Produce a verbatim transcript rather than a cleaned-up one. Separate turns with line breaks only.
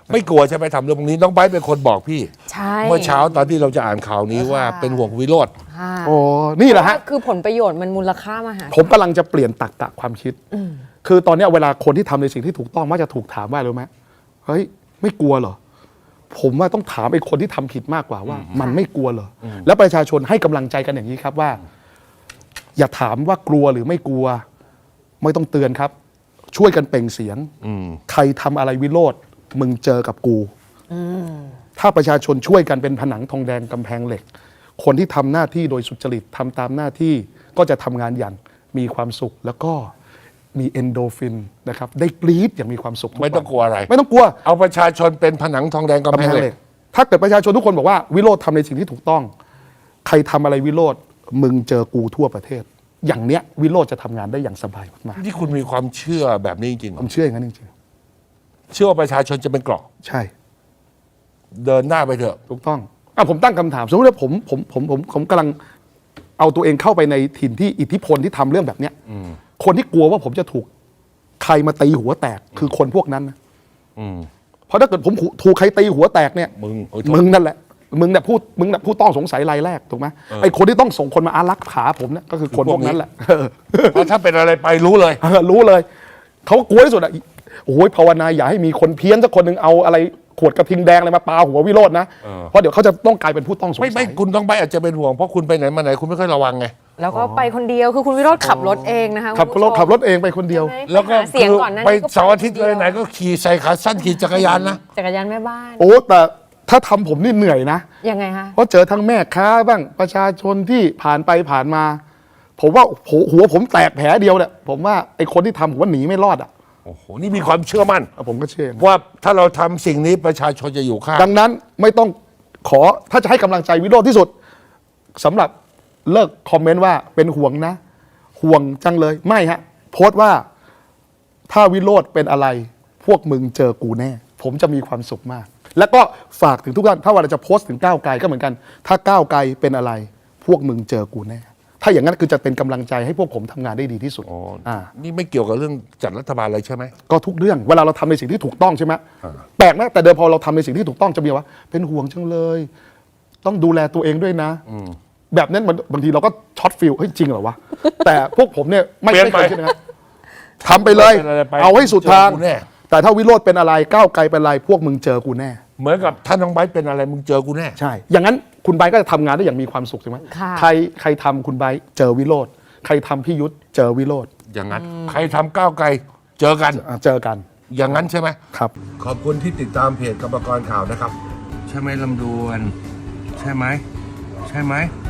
ไม่กลัวใช่ไหมทำเรื่องพวกนี้น้องไบร์ทเป็นคนบอกพี่
ใช่
เมื่อเช้าตอนที่เราจะอ่านข่าวนี้ว่าเป็นห่วงวิโรจน์
โอ้นี่แหละฮะ
คือผลประโยชน์มันมูลค่ามหาศาล
ผมกำลังจะเปลี่ยนตรรกะความคิดคือตอนเนี้ยเวลาคนที่ทำในสิ่งที่ถูกต้องมักจะถูกถามว่ารู้ไหมเฮ้ยไม่กลัวเหรอผมว่าต้องถามไอ้คนที่ทำผิดมากกว่าว่า มันไม่กลัวเหรอแล้วประชาชนให้กำลังใจกันอย่างนี้ครับว่า อย่าถามว่ากลัวหรือไม่กลัว ไม่ต้องเตือนครับ ช่วยกันเปล่งเสียงใครทำอะไรวิโรจน์มึงเจอกับกูถ้าประชาชนช่วยกันเป็นผนังทองแดงกำแพงเหล็ก คนที่ทำหน้าที่โดยสุจริตทำตามหน้าที่ก็จะทำงานอย่างมีความสุข แล้วก็มีเอนโดฟินนะครับได้กรี๊ดอย่างมีความสุขทุ
ไม่ต้องกลัวอะไร
ไม่ต้องกลัว
เอาประชาชนเป็นผนังทองแดงกำแพงเหล็ก
ถ้าเกิดประชาชนทุกคนบอกว่าวิโรจน์ทำในสิ่งที่ถูกต้อง ใครทำอะไรวิโรจน์มึงเจอกูทั่วประเทศ อย่างเนี้ยวิโรจน์จะทำงานได้อย่างสบายมาก
ที่คุณมีความเชื่อแบบนี้จริงๆเหร
ๆผ
อ
มเชื่ออย่างนั้นจริง
เชื่อว่าประชาชนจะเป็นเกราะ
ๆใช่
เดินหน้าไปเถอะ
ถูกต้องอ่ะผมตั้งคำถามสมมติว่าผมผมผมผมผมกำลังเอาตัวเองเข้าไปในถิ่นที่อิทธิพลที่ทำเรื่องแบบเนี้ยคนที่กลัวว่าผมจะถูกใครมาตีหัวแตกคือคนพวกนั้นนะเพราะถ้าเกิดผมถูกใครตีหัวแตกเนี่ย
มึงโอ้ย
มึงนั่นแหละมึงเนี่ยพูดมึงเนี่ยผู้ต้องสงสัยรายแรกถูกไหมไอ้คนที่ต้องส่งคนมาอารักขาผมเนี่ยก็คือคนพวกนั้นแหละ
เพราะถ้าเป็นอะไรไปรู้เลย
เออรู้เลยเขากลัวที่สุดอ่ะโอ้ยภาวนาอย่าให้มีคนเพี้ยนสักคนหนึ่งเอาอะไรขวดกระทิงแดงอะไรมาปาหัววิโรจน์นะ
เออ
เพราะเดี๋ยวเขาจะต้องกลายเป็นผู้ต้องสงสั
ไม่
ย
ไม่คุณต้องไปอาจจะเป็นห่วงเพราะคุณไปไหนมาไหนคุณไม่ค่อยระวังไง
แล้วก็ไปคนเดียวคือคุณวิโรจน์ขับรถเองนะคะ
ขับ
คุณ
ร
ผู้
ถ
ชม
ขับรถเองไปคนเดียว
ใช่ไหม
แล้วก็
หาเสียงก่อนหนะ
ไปเสาร์อาทิตย์เลยไหนก็ขี่ใส่ขาสั้นขี่จักรยานนะ
จักรยานแม่บ้าน
โอ้แต่ถ้าทำผมนี่เหนื่อยนะ
ยังไงคะ
เพราะเจอทั้งแม่ค้าบ้างประชาชนที่ผ่านไปผ่านมา ผมว่าหัวหัวผมแตกแผลเดียวเนี่ยผมว่าไอ้คนที่ทำผมว่าหนีไม่รอดอ่ะ
โอ้โหนี่มีความเชื่อมั่น
ผมก็เชื่อ
ว่าถ้าเราทำสิ่งนี้ประชาชนจะอยู่ข้าง
ดังนั้นไม่ต้องขอถ้าจะให้กำลังใจวิโรจน์ที่สุดสำหรับเลิกคอมเมนต์ว่าเป็นห่วงนะ ห่วงจังเลยไม่ฮะโพสต์ว่าถ้าวิโรจน์เป็นอะไร พวกมึงเจอกูแน่ ผมจะมีความสุขมาก แล้วก็ฝากถึงทุกท่านถ้าว่าเราจะโพสต์ถึงก้าวไกลก็เหมือนกัน ถ้าก้าวไกลเป็นอะไร พวกมึงเจอกูแน่ ถ้าอย่างนั้นคือจะเป็นกำลังใจให้พวกผมทำงานได้ดีที่สุด
อ๋อ
อ่า
นี่ไม่เกี่ยวกับเรื่องจัดรัฐบาลอะไรใช่ไหม
ก็ทุกเรื่องเวลาเราทำในสิ่งที่ถูกต้องใช่ไหมแปลกนะแต่เดิมพอเราทำในสิ่งที่ถูกต้องจะมีว่าเป็นห่วงจังเลย ต้องดูแลตัวเองด้วยนะแบบนั้นมันบางทีเราก็ช็อตฟิลเฮ้ยจริงเหรอวะ แต่พวกผมเนี่ยไม่
เปลี่ยน
ไม่
ไป
เคยคิดนะครับทำไปเลย
เป็นอะไรไป
เอาให้สุดทาง
เจอกูแน่
แต่ถ้าวิโรจน์เป็นอะไรก้าวไกลเป็นอะไร พวกมึงเจอกูแน่
เหมือนกับท่านน้องไบร์ทเป็นอะไรมึงเจอกูแน่
ใช่ อย่างนั้นคุณไบร์ทก็จะทำงานได้อย่างมีความสุขใช่ไหม
ค่ะ
ใครใครทำคุณไบร์ทเจอวิโรจน์ใครทำพี่ยุทธเจอวิโรจน์
อย่างนั้นใครทำก้าวไกลเจอกัน
อ่ะเจอกัน
อย่างนั้นใช่ไหม
ครับ
ขอบคุณที่ติดตามเพจกรรมกรข่าวนะครับ ใช่ไหมลำดวน ใช่ไหมใช่ไหม